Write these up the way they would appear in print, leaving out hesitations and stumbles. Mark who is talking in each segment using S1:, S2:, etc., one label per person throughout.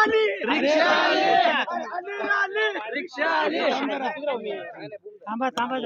S1: थांबा थांबा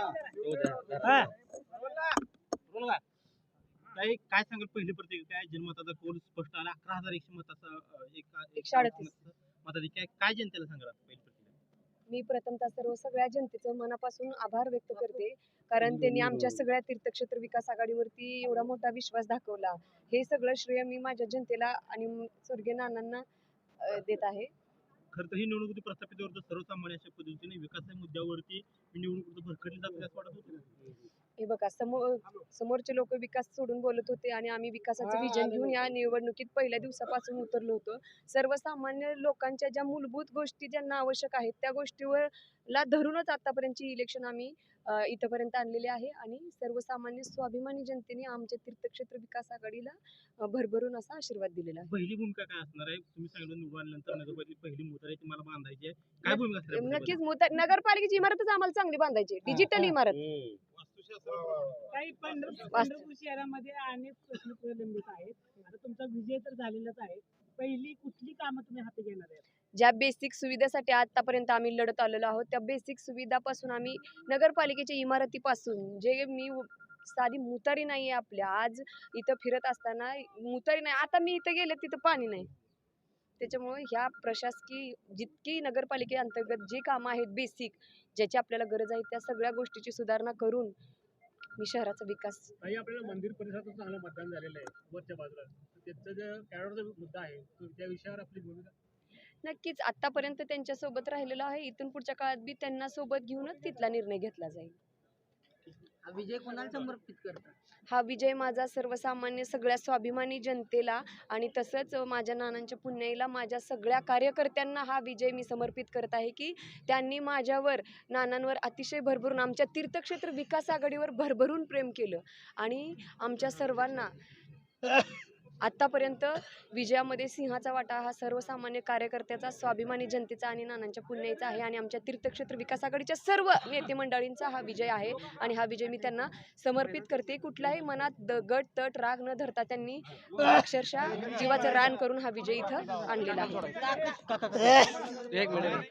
S1: काय सांगाल पहिली प्रतिक्रिया काय जनमताचा कौल स्पष्ट आला 11,100 मताचा 138 मताधिक्य काय जनतेला सांगाल पहिली प्रतिक्रिया?
S2: मी प्रथमतः सगळ्या जनतेचं मनापासून आभार व्यक्त करते, कारण त्यांनी आमच्या सगळ्या तीर्थक्षेत्र विकास आघाडीवरती एवढा मोठा विश्वास दाखवला. हे सगळं श्रेय मी माझ्या जनतेला आणि स्वर्गीय नानांना देत आहे.
S1: खरं तर ही निवडणूक प्रस्थापित सर्वसामान्य अशा पद्धतीने विकासाच्या मुद्द्यावरती निवडणूक भरकटली जाते असं वाटत होतं.
S2: हे बघा, समोरचे लोक विकास सोडून बोलत होते आणि आम्ही विकासाचं विजन घेऊन या निवडणुकीत पहिल्या दिवसापासून उतरलो होतो. सर्वसामान्य लोकांच्या ज्या मूलभूत गोष्टी ज्यांना आवश्यक आहेत त्या गोष्टीवर ला धरूनच आतापर्यंतची इलेक्शन आम्ही इथपर्यंत आणलेले आहे आणि सर्वसामान्य स्वाभिमानी जनतेने आमच्या तीर्थक्षेत्र विकास आघाडीला भरभरून असा आशीर्वाद दिलेला आहे.
S1: पहिली भूमिका काय असणार आहे? तुम्ही सांगितलं निवडून आल्यानंतर नगरपालिकेची पहिली मोटार आहे तुम्हाला बांधायची आहे, काय भूमिका असणार?
S2: नक्कीच नगरपालिकेची इमारतच आम्हाला चांगली बांधायची, डिजिटल इमारत.
S3: काही पंढरपूर शहरामध्ये अनेक प्रश्न प्रलंबित आहेत. आता तुमचा विजय तर झालेलाच आहे. पहिली कुठली कामं तुम्ही हाती घेणार आहे?
S2: ज्या बेसिक सुविधासाठी आतापर्यंत आम्ही लढत आलेलो आहोत त्या बेसिक सुविधापासून आम्ही नगरपालिकेच्या इमारतीपासून जे मी साधी मुतारी नाही आहे आपल्या, आज इथं फिरत असताना मुतारी नाही, आता मी इथं गेले तिथं पाणी नाही. त्याच्यामुळे ह्या प्रशासकीय जितकी नगरपालिकेअंतर्गत जी कामं आहेत बेसिक ज्याची आपल्याला गरज आहे त्या सगळ्या गोष्टीची सुधारणा करून मी शहराचा विकास.
S1: आपल्याला मंदिर परिसरात चांगलं मतदान झालेलं आहे वरच्या बाजूला, त्याचा जो कॅडरचा मुद्दा आहे त्या विषयावर आपली भूमिका.
S2: नक्कीच आतापर्यंत त्यांच्या सोबत राहिलेलो आहे, इथून पुढच्या काळात बी त्यांना सोबत घेऊनच तिथला निर्णय घेतला जाईल.
S3: हा विजय कोणाला समर्पित करता?
S2: हा विजय माझा सर्वसामान्य सगळ्या स्वाभिमानी जनतेला आणि तसंच माझ्या नानांच्या पुण्याईला माझ्या सगळ्या कार्यकर्त्यांना हा विजय मी समर्पित करत आहे की त्यांनी माझ्यावर नानांवर अतिशय भरभरून आमच्या तीर्थक्षेत्र विकास आघाडीवर भरभरून प्रेम केलं आणि आमच्या सर्वांना आत्तापर्यंत विजयामध्ये सिंहाचा वाटा हा सर्वसामान्य कार्यकर्त्याचा, स्वाभिमानी जनतेचा आणि नानांच्या पुण्याईचा आहे आणि आमच्या तीर्थक्षेत्र विकास आघाडीच्या सर्व नेते मंडळींचा हा विजय आहे आणि हा विजय मी त्यांना समर्पित करते. कुठलाही मनात गट तट राग न धरता त्यांनी अक्षरशः जीवाचं रान करून हा विजय इथं आणलेला आहे.